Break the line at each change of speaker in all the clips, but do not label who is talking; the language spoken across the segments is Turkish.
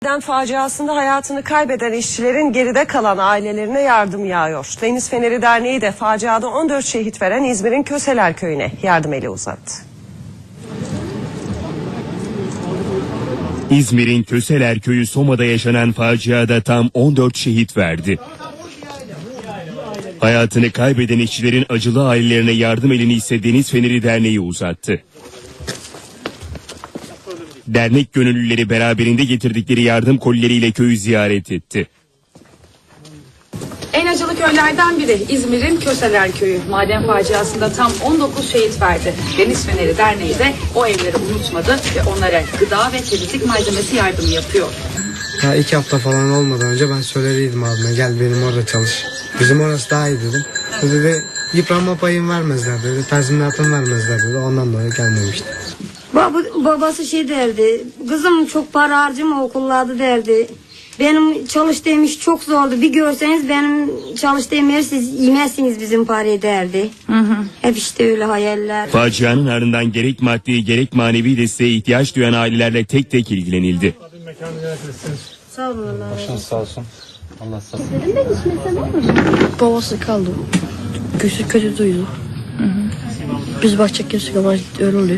Faciasında hayatını kaybeden işçilerin geride kalan ailelerine yardım yağıyor. Deniz Feneri Derneği de faciada 14 şehit veren İzmir'in Köseler Köyü'ne yardım eli uzattı.
İzmir'in Köseler Köyü Soma'da yaşanan faciada tam 14 şehit verdi. Hayatını kaybeden işçilerin acılı ailelerine yardım elini ise Deniz Feneri Derneği uzattı. Dernek gönüllüleri beraberinde getirdikleri yardım kolileriyle köyü ziyaret etti.
En acılı köylerden biri İzmir'in Köseler Köyü. Maden faciasında tam 19 şehit verdi. Deniz Feneri Derneği de o evleri unutmadı ve onlara gıda ve temizlik malzemesi yardımı yapıyor.
Ya 2 hafta falan olmadan önce ben söylediydim abime, gel benim orada çalış. Bizim orası daha iyi dedim. O dedi yıpranma payın vermezler dedi, tazminatın vermezler dedi, ondan dolayı gelmemişti.
Babası şey derdi, kızım çok para harcama okullarda derdi. Benim çalıştığım iş çok zordu. Bir görseniz benim çalıştığım yer siz yemezsiniz bizim parayı derdi. Hep işte öyle hayaller.
Facianın ardından gerek maddi gerek manevi desteğe ihtiyaç duyan ailelerle tek tek ilgilenildi.
Sağ olun Allah.
Başınız sağ olsun. Allah sağ olsun.
Babası kaldı. Kötü duydu. Biz bakacak kimse ama öyle oluyor.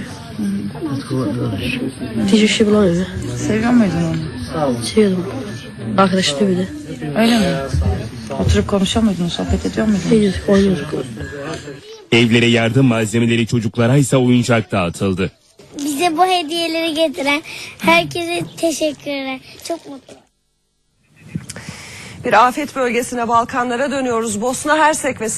Diyecek şey bulamıyor.
Seviyor muydun onu?
Seviyordum. Arkadaşlı bir de.
Öyle mi? Oturup konuşuyor muydunuz, sohbet ediyor muydunuz?
Gidiyorduk, oynuyorduk.
Evlere yardım malzemeleri, çocuklara ise oyuncak dağıtıldı.
Bize bu hediyeleri getiren herkese teşekkürler. Çok mutlu.
Bir afet bölgesine, Balkanlara dönüyoruz. Bosna Hersek ve